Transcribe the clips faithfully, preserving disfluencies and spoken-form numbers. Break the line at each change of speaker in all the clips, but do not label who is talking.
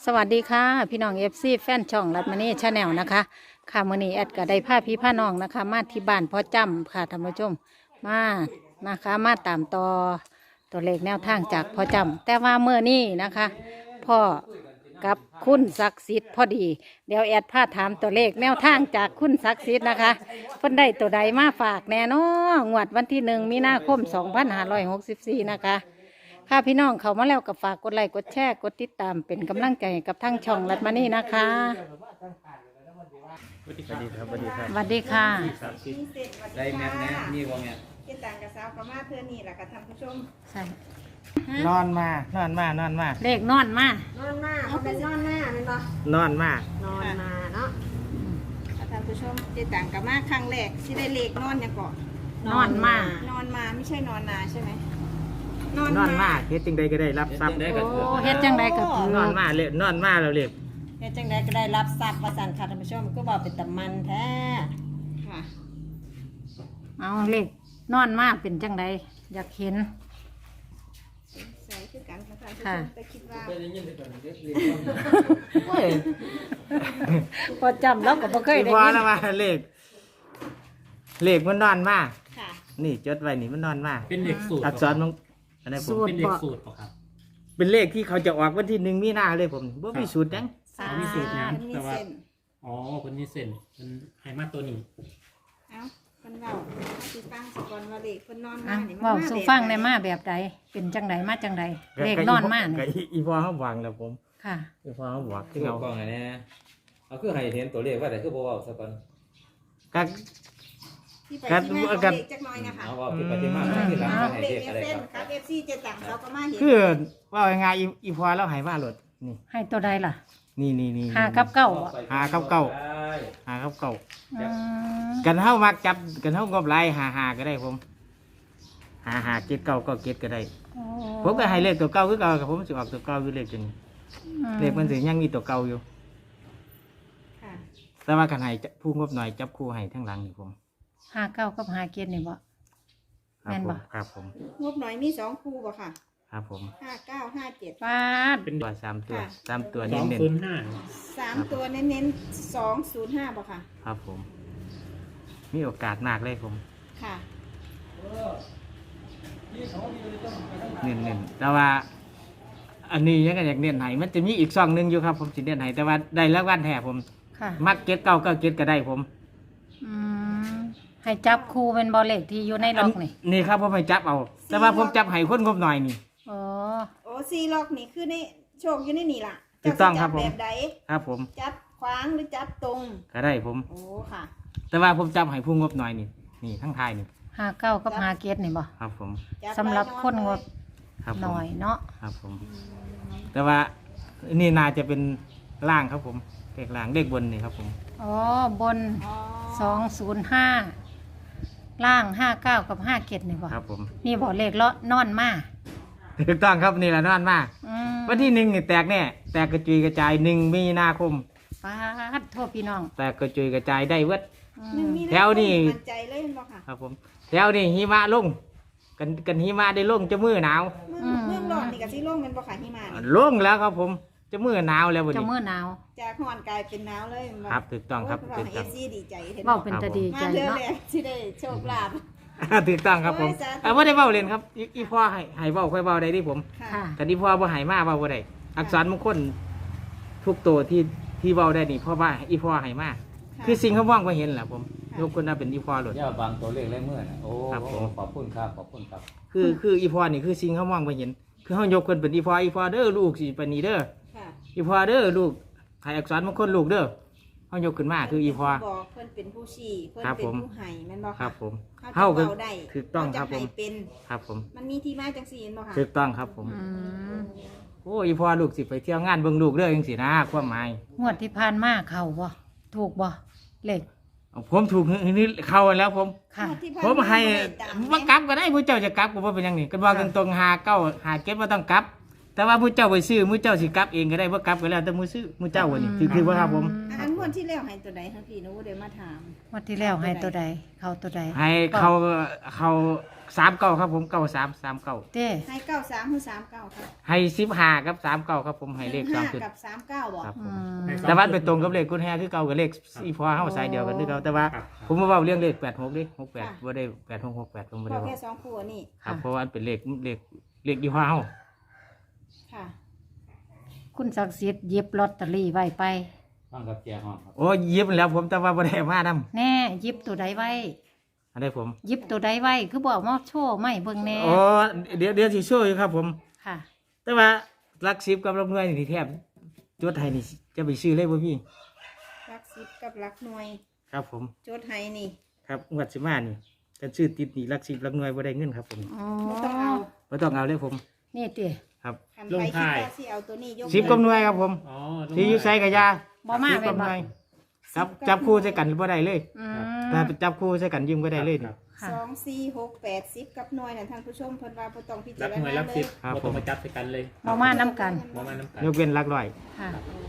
สวัสดีค่ะพี่น้องเอฟซีแฟนช่องรัตมณีชาแนลนะคะค่ะมื้อนี้แอดก็ได้พาพี่พาน้องนะคะ มาที่บ้านพ่อจำค่ะท่านผู้ชมมานะคะมาตามต่อตัวเลขแนวทางจากพ่อจำแต่ว่าเมื่อนี้นะคะพ่อกับคุณศักดิ์สิทธิ์พอดีเดี๋ยวแอดพาถามตัวเลขแนวทางจากคุณศักดิ์สิทธิ์นะคะเพิ่นได้ตัวใดมาฝากแน่นอนงวดวันที่หนึ่งมีนาคมสองพันห้าร้อยหกสิบสี่นะคะค่ะพี่น้องเขามาแล้วก็ฝากกดไลค์กดแชร์กดติดตามเป็นกำลังใจให้กับทั้งช่องรัตมณีนะคะ
สวัสดีครับสวัสดีครับ
สวัสดีค่ะ
ได้แมทนะนี่ว่าแมท
เจ็ดต่างกับสาวกับมาเพื่อนี่แหละค่ะท่านผู้ชม
ใช่
นอนมานอนมานอนมา
เลขนอนมา
นอนมาเขาเป็นนอนหน้าเป็นปะ
นอนมา
นอนมาเนาะท่านผู้ชมเจ็ดต่างกับมาครั้งแรกที่ได้เลขนอนยังก่อน
นอนมาน
อนมาไม่ใช่นอนนาใช่ไหม
นอนมาเฮ็ดจึงใดก็ได้รับทรัพย์
ได้
โอ้
กับ
เฮ็ดจังไดก็ถือน
อนมาเลยนอนมาแล้วเรียก
เฮ็ดจังไดก็ได้รับทรัพย์ว่าซั่นค่ะท่านผู้ชมก็บอกเป็นตะมันแท้
ค่ะ
เอาเลขนอนมาเป็นจังไดอยากเห็น
ใส่คือกันค่ะท่านผู้ช
ค่ะ
มแต่คิดว่า
โอ้ย
พอจำแล้วก็บ่เคยได้
พอ
ยิน
แล้วมาเลขเลขมันนอนมา
ค่ะ
นี่จดไว้นี่มันนอนมา
เป็นเด็กสูตร
อักษรมันอันนี้ผม
สูตร
เป็นเด็ก
บ่
สูตรเปล่าครับ
เป็นเลขที่เขาจะออกวันที่หนึ่งมีนาเลยผมบ่มีสูตรจัง
สา
มีสูตรยัง
มันมี
แต่ว่า
เส้น
อ๋อคนนี้เส้นมันไฮมาตัวนี้
เอ้าคนเว้าสิฟังสกอนว่าเลขคนนอน
อ่ะ
มานี่
เว้า
มา
สู่
แบบ
ฟังใน
ใด
มาแบบใดเป็นจังไดมาจังไดเลขนอนมา
ก็
นี่
อีอีพอเขาวางแล้วผม
ค่ะ
อีพอเขาบอก
คื
คือ อ
เอา
เอา
กล้องอันนี้เอาคือให้เห็นตัวเลขว่าแต่คือบ่เว้าซะก่อน
ก็
ที่ไป
กัน
ที่มาของ
กัน
เลขจักหน่อยนะคะ
เอาเว่าที่ไปที่มาที่หลังก็ให้
เล
เล
ข
ขอะไร
เส้น
ครับ
ครับเอฟซีเจ็ดต่างสาวกับมาเห็น
คือว่ายังไงอีอีพอแล้วใหายมาหลดนี่
ให้ตัวใดล่ะ
นี่นี่นี่
ห้ากับเก้าบ่
หาเก้าเก้า หาครับเก่า
อืม
กันเท่ามักจับกันเท่างบลายหาหาก็ได้ผม หาหาเก็ดเก่าก็เก็ดก็ได้
โอ้
ผมก็ให้เลขตัวเก่าคือเก่ากับผมสิออกตัวเก่าอยู่เลขจนเลขมันสิยังมีตัวเก่าอยู่
ค่ะ
แต่ว่ากันให้ผู้งบหน่อยจับคู่ให้ทั้งหลังนี่ผม
ห้าเก้ากับห้าเกียรตินี่บ่
ครับ
แม่น
ผ
บ่
มครับผม
งบหน่อยมีสองคู่บ่ค่ะ
ครับผม
ห้าเก้าห้าเจ็ด
ปาด
เป็น
ตัวสามตัว
ค่ะ
สามตัว
ส
เน้
อง
น
ศูนย์ห้า
สามตัวเน้นๆสองศูนย์ห้าบ่ค่ะ
ๆครับผม มีโอกาสมากเลยผม
ค่ะ
เน้นๆแต่ว่า อันนี้ยังไงอยากเน้นให้มันจะมีอีกซองหนึงอยู่ครับ ผมสิเน้นให้แต่ว่าได้แล้ววันแท้ผม
ค่ะ
มักเก็ดเก่าก็เก็ดก็ได้ผม
อืมให้จับคู่เป็นบอลเลขที่อยู่ในล็อกนี่
นี่ครับผมไปจับเอา แต่ว่าผมจับให้คนงบหน่อยนี่
อ๋อ
โอ้ซีล็อกนี่คือในโชคอยู่ในนี่ล่ะ
ถูกต้องครับผม
จัแบบใด
ครับผม
จับขวางหรือจับตรง
ก็ได้ผม
โอ้ค่ะ
แต่ว่าผมจับให้ผู้งบหน่อยนี่ นี่ทั้งทายนี่
ห้าเก้ากับห้าเกียรตินี่บ่
ครับผม
จั
สำหรับคนงบ
ครับผม
หน่อยเนาะ
ครับผม แต่ว่านี่น่าจะเป็นล่างครับผมเลขล่างเลขบนนี่ครับผม
อ๋อ บน
อ๋อ
สองศูนย์ห้าล่างห้าเก้ากับห้าเกียรตินี่บ่
ครับผม
นี่บ่เลขเลาะนอนมา
ถูกต้องครับนี่แหละนอนมาก
อืม
วันที่หนึ่งนี่แตกแน่แตกกระจุยกระจายหนึ่งมีนาคม
ปาดโทษพี่น้อง
แตกกระจุยกระจายได้เวิด
อื
หนึ่ง
ม
มีา
แถวนี่
มั่นใจเลยเห็นบ่ค่ะ
ครับผมแถวนี่หิมะลง กันกันหิมะได้ลงจะมือหนาว
เมืองเมืองร้อนนี่กับซีโล่งเป็นบ่ค่ะหิมะนี่
ลงแล้วครับผมจะมือหนาวแล้ววัน
เจะ
นี้
มือหนาว
จากฮ้อนกลายเป็นหนาวเลยแม่น
ครับถูกต้องครับ
โอ้
ถู
ย
ก
เอ
ต้อง
ฟซีดีใจเห็น
เว้า
บ่
เป็นตาดีใจ
มาเดือน
เนาะ
แรกที่ได้โชคลาภ
ถูกต้องครับผม
โอ้ยสาธุ
อ่าว่าได้เบ้าเล่นครับอีอีพ่อให้ให้เบ้าค่อยเบ้าได้ที่ผม
ค่ะ
แต่ที่พ่อบ่ให้มาเบ้าบ่ได้อักษรมงคลทุกตัวที่ที่เบ้าได้นี่เพราะว่าอีพ่อให้มาคือสิ่งเขาว่างไ่เห็นแหละผมยกคนน่าเป็นอีพ่อหลด
อย่าบางตัวเลขเลยเมื่อน่ะโอ้
ครับผม
ขอบคุณครับขอบคุณครับ
คือคืออีพ่อนี่คือสิ่งเขาว่างไ่เห็น คือเขายกคนเป็นอีพ่ออีพ่อเด้อลูกสิปานนีเด้อ
ค่ะ
อีพ่อเด้อลูกให้อักษรมงคลลูกเด้อเขายกขึ้นมาคืออีพ่อ
บอกเพิ่นเป็นผู้ชี้เพิ่น
ครับ
เป็น
ผม
ผู้ให้แม่นบ่
ครั
ค่ะ
บผม
เฮา
เฮา
จะ
ก็
เว้าได้
ถูกต้อง
เฮา
ครับผม
จะให้เป็น
ครับผม
มันมีที่มาจังซี่เห็นบ่ค่ะ
ถูกต้องครับผม
อืม
โอ้อีพ่อลูกสิไปเที่ยวงานเบิ่งลูกเด้อจังซี่นะความหมาย
งวดที่ผ่านมาเข้าบ่ถูกบ่เลข
ผมถูกนี่เข้าแล้วผม
ค่ะ
ที่ผ่าน
ผมให้
บ่ได้ตาม
ว่ากลับก็ได้ผู้เจ้าจะกลับก็บ่เป็นหยังนี่ก็ว่ากันตรงหาเก้าหาเก็บบ่ต้องกลับ แต่ว่าผู้เจ้าไปซื้อผู้เจ้าสิกลับเองก็ได้บ่กลับก็แล้วแต่ผู้ซื้อผู้เจ้าวันนี้คือคือว่าครับผม
อันงวดที่แล้วให้ตัวใดทั้งพี่หนูเดี๋ยวมาถาม
งวดที่แล้วให้ตัวใดเข้าตัวใด
ให้เขาเขาสามเก้าครับผมเก้าสามสามเก้า
เต้
ให้เก้าสามหรือสามเก้าค่ะ
ให้สิบห้ากับสามเก้าครับผมให้เลข
หนึ่
สอง
ห้า
จุด
กับสามเก้าบอก
ครับผ
อื
ม
ม
แต่ว่าเป็นตรงกับเลขกุญแจคือเก่ากับเลขอีพอเฮาสายเดียวกันคือเก่าแต่ว่า
ครับ
ผมมาเว้าเรื่องเลขแปดหกดิหกแปดบ่ได้แปดหกหกแปดผมบ่
พ
ได้
อ
เว้า
แค่สองคู่อันนี่
ครับเพราะว่ามันเป็นเลขเลขเลขอีพอเฮา
ค่ะ
คุณศักดิ์สิทธิ์หยิบลอตเตอรี่ไว้ไป
ฟังกับเจียห้องครับ
โอ้ยิบแล้วผมแต่ว่าบ่ได้มานํ
แน่หยิบตัวใดไว้
อันนี้ผม
หยิบตัวใดไว้คือบอกมาโชว์ไม่เบิ่งแน่
โอ้เดี๋ยวเดี๋ยวสิโชว์อยู่ครับผม
ค่ะ
แต่ว่าหลักสิบกับหลักหน่วยนี่แทบจดให้นี่จะไปซื้อเลยบ่พี่
รักสิบกับรักหน่วย
ครับผม
โจทย์ให้นี่
ครับงวดสิมานี่กันซื้อติดนี่หลักสิบหลักหน่วยบ่ได้เงินครับผม
อ๋อ
ไม่ต้องเอา
บ่ต้องเอาเลยผม
นี่ติ
ครับ
คันไปคิดว่าสิเอาตัวนี้ยก
สิบกับหน่วยครับผม
อ๋อ
ที่อยู่ไสกับยา
บ่มา
สิบ
แม่
กัน บห
บ่
น่วยจับจับคู่ใส่กันบ่ได้เลย
อืม
ถ้าจับคู่ใส่กันยิงบ่ได้เลยนี่
ค่ะ
สองสี่หกแปดสิบกับหน่วยนั่นท่านผู้ชมเพิ่นว่าบ่ต้องพิจา
รับ
ร
หน่วย
ณา
รับ
เล
สิ
ย
บ
ครับ
บ่ต้องมาจับใส่กันเลย
บ่มานํกัน
บ่มาน้ำกัน
ยกเว้นหลักร้อย
ค่ะ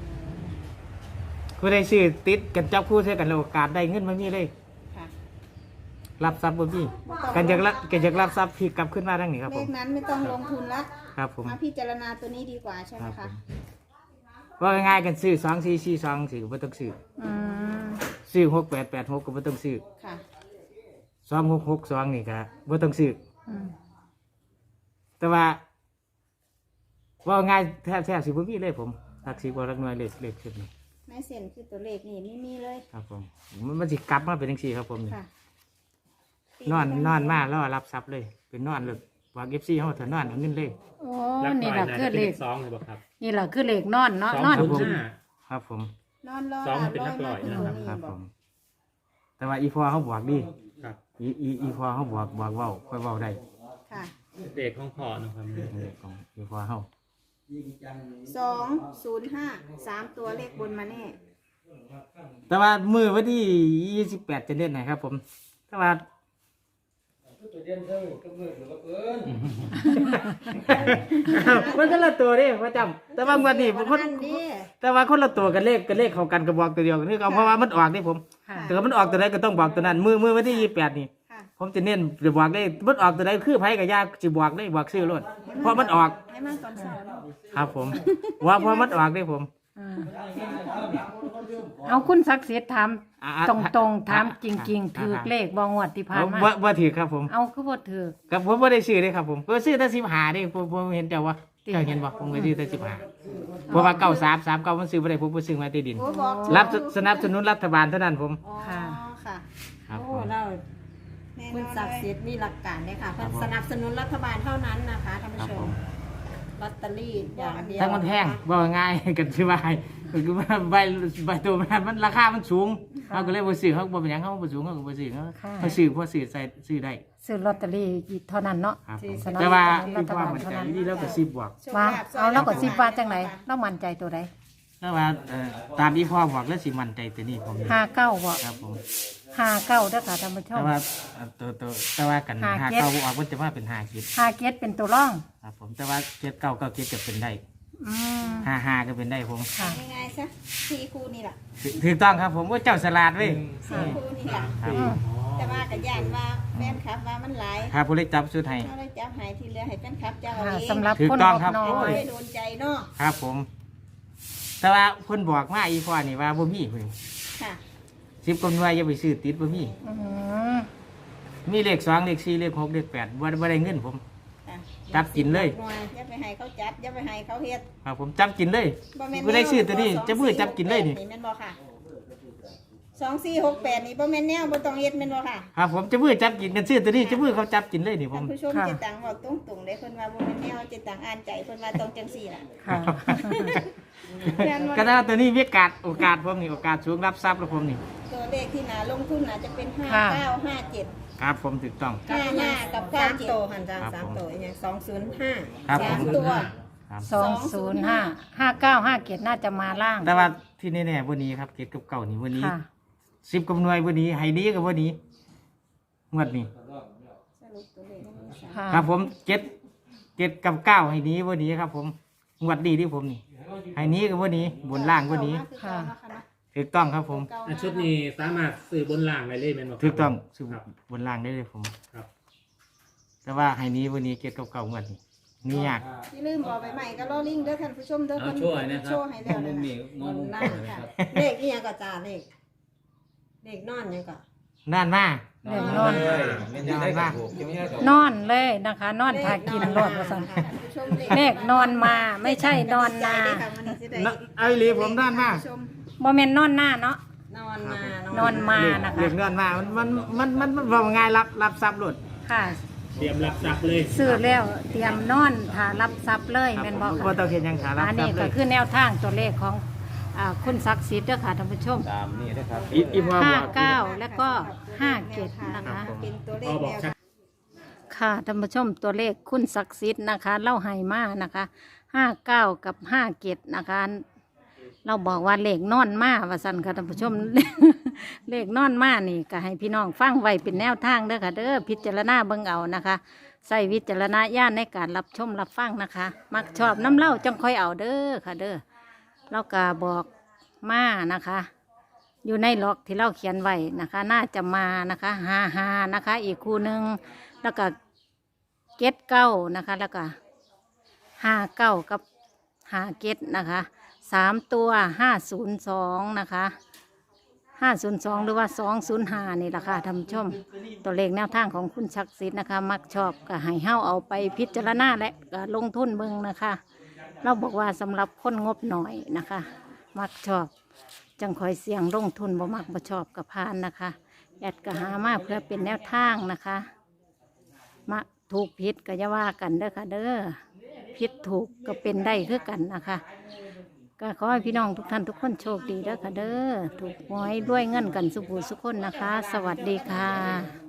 ผู้ใดซื้อติดกันจับคู่ใส่กันแล้วโอกาสได้เงินบ่มีเลย
ค่ะ
รับทรัพย์บ่มีกันอยากรับกันอยากรับทรัพย์พี่กลับขึ้นมาทางนี้ครับ
เล
ผม
ขนั้นไม่ต้องลงทุนละ
ครับผม
มาพิจารณาตัวนี้ดีกว่าใช่ไหม
ครั
คะ
บผม ว่าง่ายๆกันซื้อสองสี่สี่สองสี่ก็บ่ต้องซื้อ
อืม
ซื้อหกแปดแปดหกก็บ่ต้องซื้อ
ค่ะ
สองหกหกสองนี่ก็บ่ต้องซื้อ
อืม
แต่ว่าว่าง่ายแทบแทบสิบ่มีเลยผมทักสิบ่รักน้อยเลขเลขขึ้นนี่
ในเส้นคือตัวเลขนี่ไม่มีเลย
ครับผมมันมันสิกลับมาเป็นจังซี่ครับผมนี่
ค่ะ
นอนนอนมารอรับทรัพย์เลย เป็นนอนเลยว่า เอฟ ซี เฮาเถอะนอนเอาเงินเลย
โอ้
รับห
นี่
น่อย
ล่ะ
น่า
คือ
จะเป็น
เล
เล
ข
ขสองเลยบ่ครับ
นี่ล่ะคือเลขนอนเนาะ
สอง
นอน
ศูนย์
กิน
ห้า
ครับผม
นอนรอ
สอง
หลับ
เป็น
ร้
นั
อย
กร้
มา
อย
คือ
นะ
ตัว
ครับ
นี้
ครับ
บ
ผ
อก
ม แต่ว่าอีพอเขาบอกดี
ครับ
อีอีอีพอเขาบอกบอกเว้าค่อยเว้าได้
ค่ะ
เด็กของพ่อนะครับ
เลขของอีพอเฮา
สองศูนย์ห้าสามตัวเลขบนมาแน่
แต่ว่ามื้อวันที่ยี่สิบแปดจะเล่นนะครับ ผม แต่ว่า มันก็ละตัวเด้ประจำแต่ว่างวันนี้คน
อันนี้
แต่ว่าคนละตัวกันเลขกันเลขเขากันกระบอกตัวเดียวกันคือเอาเพราะว่ามันออกนี่ผม
ค่ะ
แต่ว่ามันออกตัวไหนก็ต้องบอกตัวนั้น มือมือวันที่ยี่สิบแปดนี่
ค่ะ
ผมจะเน้นจะบอกได้มันออกตัวไหนคือไผกับยาจะบอกได้บอกชื่อรถเพราะมันออก
ให้มันตอนเช้าเนาะ
ครับผม ว่าเพราะมันออกได้ผม
อืมเอาคุณศักดิ์สิทธิ์ถาม
อ่า
ตรงตรงๆถามจริง ๆ
อ่า
ถือเลขบองวดที่ผ่าน
เอา
มา
ว่าว่าถือครับผม
เอาคือบ่ถือ
กับผมไม่ได้ซื้อเลยครับผมก็ซื้อแต่สิบหาได้ผมผมเห็นเจ้าว่าเจ้าเห็นบ่ผมก็ซื้อแต่สิบหาเพราะว่าเก้าสามสามเก้ามันซื้อไม่ได้ผมไปซื้อมาที่ดิน
โอ้บอก
รับสนับสนุนรัฐบาลเท่านั้นผม
อ๋อค่ะ
ครับผ
โอ้
ม
เรา
แน่น
คุณ
อน
ศักดิ์
เล
สิ
ย
ทธิ์มีหลักการเลยค่ะ
ครับผม
สนับสนุนรัฐบาลเท่านั้นนะคะท่านผู้
ครับ
ช
ผม ม
ลอตเตอรี่อย่างเดียว
ทั้งมันแพงบอกง่ายๆกันชื่อว่าคือว่าใบใบตัวมันมันราคามันสูงเขาก็เลยบ่ซื้อเขาบ่เป็นหยังเขาบ่สูงเขาก็บ่ซื้อเขาเขาซื้อเพราะซื้อใส่ซื้อได้
ซื้อลอตเตอรี่เท่านั้นเนาะ
ครับผม
สนับสนุน
แต่ว่า
รั
อี
ฐ
กว่า
บาล
มัน
เท่า
ใจ
นั้น
ดีแล้วก็สิบบวก
ว่าเอาแล้วก็สิบว่าจังไหนเรามั่นใจตัวใด
แต่ว่าเอ่อตามที่พ่อบอกแล้วสิมั่นใจตัวนี้ผม
ห้าเก้าบ่
ครับผม
ห้าเก้าเด้อค่ะท่านผู้ช
แต่
ม
ว่าเอ่อตัวตัวแต่ว่ากัน
ห้า
หา
เจ็ด
เก้าบ่ออกมันจะว่าเป็นห้าคิด
ห้าเกตเป็นตัวร่อง
ครับผมแต่ว่าเจ็ดเก้าเก้าเจ็ดจะเป็นได้
อืม
ห้าห้าก็เป็นได้ผม
ค่ะ
ง่ายๆซะสี่คู่นี่แหละ
ถูถูกต้องครับผมว่าเจ้าสลาดเว้ย
สี่คู่นี่แหละ
ครับ
อืม
แต่ว่ากับย่านว่าแฟนคลับว่ามันหลาย
ครับผู้เล็กจับสุดให้
เราได้จับหายที่เหลือให้แฟนคลับเจ้าเอา
ค่ะ
เอง
สำหรับ
ถูก
คน
ต้อง
งบ
ครับ
น้อ
โอ้
ย
ไม่โดนใจเนาะ
ครับผม แต่ว่าเพิ่นบอกมาอีพ่อนี่ว่าบ่มีเพิ่น
ค่ะ
สิบกว่าหน่วยอย่าไปซื้อติดบ่มี
อืม
มีเลขสองเลขสี่เลขหกเลขแปดบ่บ่ได้เงินผม
ค่ะ
จับกินเลย
หน่วยอย่าไปให้เขาจับอย่าไปให้เขาเฮ็ด
ครับผมจับกินเลย
บ่แม่น
บ่ได้ซื้อตัวนี้จะมือจับกินเลยนี่
แม่นบ่ค่ะสองสี่หกแปดนี่บ่แม่นแนวบ่ต้องเฮ็ดแม่นบ่ค่ะ
ครับผมจะมือจับกินกันซื้อตัวนี้จะมือเขาจับกินเลยนี่ผ
ท่าม นผู้ชมเจตังบอกตรงๆเลยเพิ่นว่าบ่แม่นแนวเจตังอ่านใจเพิ่นว่าต้องจังซี่ล่ะ
ค่ะ
แม่นบ่
ก็ถ้าตัวนี้มีโอกาสโอกาสผมนี่โอกาสสูงรับทรัพย์แล้วผมนี่
ตัวเลขที่น่าลงทุนน่าจะเป็นห้า
ค่ะ
เก้าห้าเจ็ด
ครับผมถูกต้อง
ห้าห้ากับเก้า
สาม
เจ็ด
โตวหันจาง
ครับ
สาม
ผม
โตวอหย่างสองศูนย์ห้า
ครับผ
สาม
ม
ตัว
ครับ
สองศูนย์ห้าห้าเก้าห้าเกตน่าจะมาล่าง
แต่ว่าที่แน่ๆวันนี้ครับเกตกับเก่านี่วันนี้
ค่ะ
สิบกับหน่วยวันนี้ไฮนี้กับวันนี้งวดนี้
สรุปตัวเลขให้ดู
ค่ะ
ครับผมเจ็ดเจ็ดกับเก้าไฮนี้วันนี้ครับผมงวดดีที่ผมนี่ไฮนี้กับวันนี้บนล่างวันนี้
ค่ะ
ถูกต้องครับผม
อันชุดนี้สามารถซื้อบนล่างได้เลยแม่นบ่ครับ
ถูกต้องซื้อ
ครับ
บนล่างได้เลยผม
ครับ
แต่ว่าให้หนี้วันนี้เก็บกับเก่าเงินนี่ยาก
อย่าลืมบอกไปใหม่ก็รอลิงเด้อท่านผู้ชมเด้อ
เอา
เพิ่น
โช่วยนะค
โช
รับ
ว์ให้แล้ว
มุ
นะ
มนี้มองมุม
นั่
นี้
น
นะครับ
เลขนี่ยังก็จ่าเลขเลขนอนยังก็
นั่นมาก
เรื่องนอน
เลยไม่ได้กับถูกยังไม่ได้กับ
นอนเลยนะคะ นอนทากินรถว่าซั่น
ท่านผู้ชม
เลขนอนมาไม่ใช่นอนนา
ใจเด้อค่ะวันนี้สิได้
ไอ้หลีผมนั่นมาก
ท่ผู้ชม
บ่แม่นนอนหน้าเนาะ
นอนมาน
อนมานะคะ
เรียกเงินมามันมันมันมันว่าง่ายรับรับทรัพย์หลุด
ค่ะ
เตรียมรับทรัพย์เลย
ซื้อแล้วเตรียมนอนถ้ารับทรัพย์เลยแม่นบ่
ว่า
ค่ะ
ต้องเห็นยังขารับ
อัน
ทรั
นี้
พย์เล
ก็
ย
คือแนวทางตัวเลขของอ่าคุณศักดิ์สิทธิ์เด้อค่ะท่านผู้ชม
ตามนี่นะครับ
อีอีพ่อ
ห้า
บอก
เก้าแล้วก็ห้าเจ็ดนะคะ
เป็นตัวเล
พอ
ข
บอก
แนว
ชัด
ค่ะท่านผู้ชมตัวเลขคุณศักดิ์สิทธิ์นะคะเล่าให้มานะคะห้าเก้ากับห้าเจ็ดนะคะ เราบอกว่าเลขนอนมาว่าสันค่ะท่านผู้ชม เลขนอนมานี่ก็ให้พี่น้องฟังไว้เป็นแนวทางเด้อค่ะเด้อพิจารณาเบิ่งเอานะคะใส่วิจารณญาณในการรับชมรับฟังนะคะ มักชอบน้ำเล่าจังค่อยเอาเด้อค่ะเด้อเราก็บอกมานะคะ อยู่ในล็อกที่เราเขียนไว้นะคะ น่าจะมานะคะฮาฮานะคะ อีกคู่หนึ่งแล้วก็เก็ดเก้านะคะ แล้วก็ห้าเก้ากับห้าเก็ดนะคะสามตัวห้าศูนย์สองนะคะห้าศูนย์สองหรือว่าสองศูนย์ห้านี่แหละค่ะท่านผู้ชม ตัวเลขแนวทางของคุณศักดิ์สิทธิ์นะคะ มักชอบก็ให้เฮาเอาไปพิจารณาและก็ลงทุนเบิ่งนะคะ เราบอกว่าสำหรับคนงบหน่อยนะคะ มักชอบ จังคอยเสี่ยงลงทุนบ่มักบ่ชอบกับพานนะคะแอดก็หามาเพื่อเป็นแนวทางนะคะมาถูกผิดก็จะว่ากันเด้อค่ะเด้อผิดถูกก็เป็นได้คือกันนะคะ ก็ขอให้พี่น้องทุกท่านทุกคนโชคดีเด้อค่ะเด้อถูกหวยด้วยเงินกันสุขสุขคนนะคะ สวัสดีค่ะ